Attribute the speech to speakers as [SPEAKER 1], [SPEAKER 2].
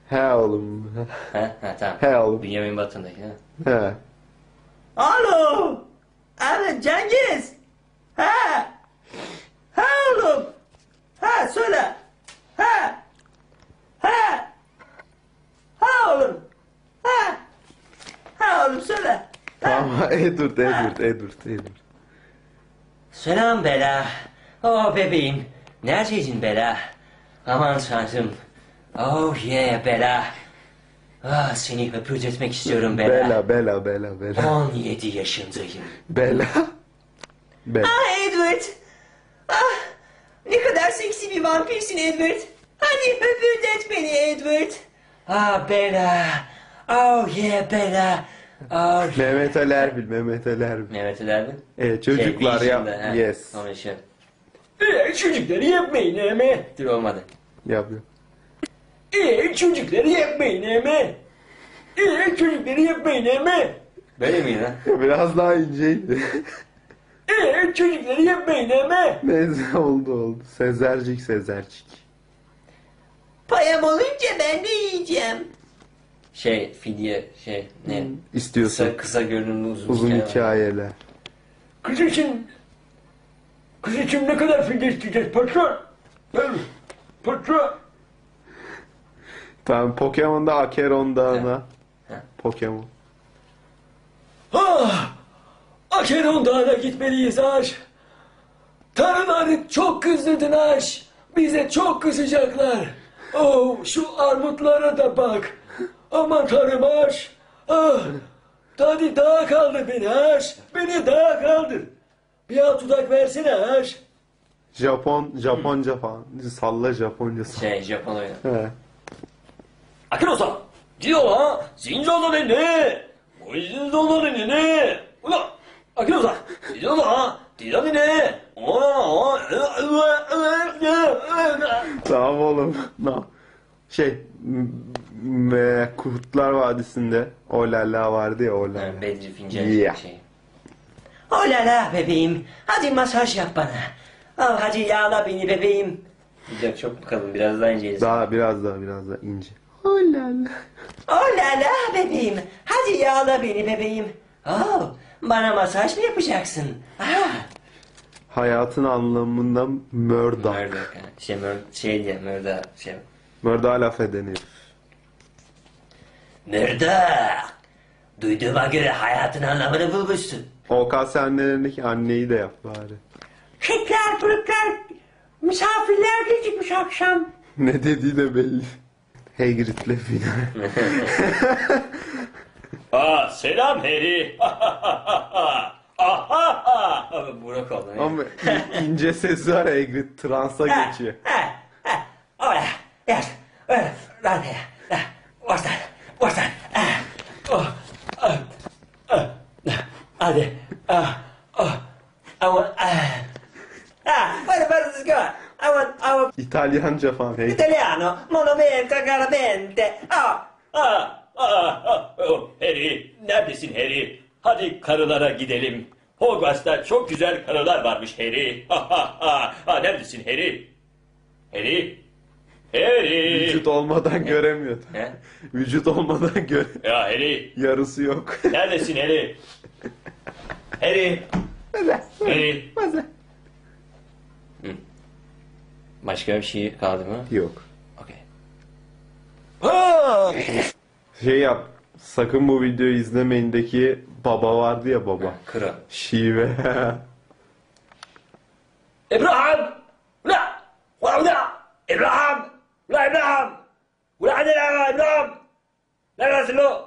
[SPEAKER 1] He oğlum.
[SPEAKER 2] Ha tamam.
[SPEAKER 1] He oğlum.
[SPEAKER 2] Bünyamin Batın'daki ha.
[SPEAKER 1] He.
[SPEAKER 3] Alo. Evet Cengiz. Ha. Ha oğlum. Ha söyle. Ha. Ha. Ha oğlum. Ha. Ha oğlum söyle.
[SPEAKER 1] Tamam. Edward.
[SPEAKER 2] Selam Bela. Oh bebeğim. Neredeydin Bela? Aman tanrım. Oh yeah Bela. Ah seni öpürtmek istiyorum Bela.
[SPEAKER 1] Bela.
[SPEAKER 2] 17 yaşındayım.
[SPEAKER 1] Bela.
[SPEAKER 3] Ah Edward. Ah. Ne kadar seksi bir vampirsin Edward. Hadi öpürdet beni Edward.
[SPEAKER 2] Ah Bela. Oh yeah Bela. Oh.
[SPEAKER 1] Mehmet Ali Erbil.
[SPEAKER 2] Mehmet Ali Erbil.
[SPEAKER 1] Çocuklar
[SPEAKER 2] Vision'da,
[SPEAKER 1] ya.
[SPEAKER 2] ha.
[SPEAKER 1] Yes.
[SPEAKER 2] Onun işi.
[SPEAKER 4] Çocukları yapmayın ama.
[SPEAKER 2] Dur olmadı.
[SPEAKER 1] Yapıyor.
[SPEAKER 4] Çocukları yapmayın ama. Çocukları yapmayın ama.
[SPEAKER 2] Böyle miydi lan?
[SPEAKER 1] Biraz daha inceydi.
[SPEAKER 4] Çocukları yapmayın ama.
[SPEAKER 1] Neyse oldu. Sezercik.
[SPEAKER 3] Payam olunca ben de yiyeceğim.
[SPEAKER 2] Fidye ne?
[SPEAKER 1] İstiyorsun.
[SPEAKER 2] Kısa görünümlü
[SPEAKER 1] Uzun
[SPEAKER 2] hikaye var.
[SPEAKER 1] hikayeler.
[SPEAKER 4] Kız için ne kadar fidye isteyeceğiz patron? Patron.
[SPEAKER 1] Tamam, Pokemon'da Akeron Dağı'na.
[SPEAKER 2] He.
[SPEAKER 1] Pokemon.
[SPEAKER 4] Akeron Dağı'na gitmeliyiz Aş. Tanrılar çok kızdılar. Bize çok kızacaklar. Oh, şu armutlara da bak. Aman Tanrım Aş. Hadi dağa kaldır beni Aş. Beni dağa kaldır. Bir alt dudak versene Aş.
[SPEAKER 1] Japonca falan. Salla Japonca salla.
[SPEAKER 2] Japon oyunu.
[SPEAKER 1] He.
[SPEAKER 4] Akeron-san. Diyor ha. Zinjada ne? Bu zinjada ne? Ulan. Akeron-san. Diyor ha. Diyor ne?
[SPEAKER 1] Tamam oğlum. Kurtlar Vadisi'nde Olala vardı ya, Olala.
[SPEAKER 2] Yani Bedri Fincan
[SPEAKER 1] Yeah.
[SPEAKER 3] Oh la la bebeğim. Hadi masaj yap bana. Oh, hadi yağla beni bebeğim.
[SPEAKER 2] Yok çok mu kalın? Biraz daha inceliz.
[SPEAKER 1] Biraz daha ince. Olala.
[SPEAKER 3] Oh la la bebeğim. Hadi yağla beni bebeğim. Oh, bana masaj mı yapacaksın? Ah.
[SPEAKER 1] Hayatın anlamında Murdoch.
[SPEAKER 2] Murdoch.
[SPEAKER 1] Murdoch'a laf edenir.
[SPEAKER 3] Murdoch. Duyduğuma göre hayatın anlamını bulmuşsun.
[SPEAKER 1] OKS'lerindeki anneyi de yap bari.
[SPEAKER 3] Kekler, pırıklar, misafirler gecikmiş akşam.
[SPEAKER 1] Ne dediği de belli. Hagrid'le final.
[SPEAKER 4] Selam Harry.
[SPEAKER 2] Burak oldu.
[SPEAKER 1] Ama ince sesi var, Hagrid transa geçiyor.
[SPEAKER 3] Hola, yes, down here. What's that? Hadi. Where does this go? I want
[SPEAKER 1] İtalyanca falan. Hagrid.
[SPEAKER 3] Italiano, monumento, caramente.
[SPEAKER 4] Harry, neredesin Harry? Hadi karılara gidelim. Hogwarts'ta çok güzel karılar varmış Harry. Neredesin Harry? Harry?
[SPEAKER 1] Vücut olmadan göremiyordu.
[SPEAKER 2] He?
[SPEAKER 1] Vücut olmadan
[SPEAKER 4] Ya Harry,
[SPEAKER 1] yarısı yok.
[SPEAKER 4] neredesin Harry? Harry? Harry?
[SPEAKER 2] Başka bir şey kaldı mı?
[SPEAKER 1] Yok.
[SPEAKER 2] Okey.
[SPEAKER 1] Yap. Sakın bu videoyu izlemeyindeki baba vardı ya, baba.
[SPEAKER 2] Kro.
[SPEAKER 1] Şive.
[SPEAKER 4] İbrahim! Ula! İbrahim! Ula İbrahim! Ula hadi la İbrahim! Neredesin lo?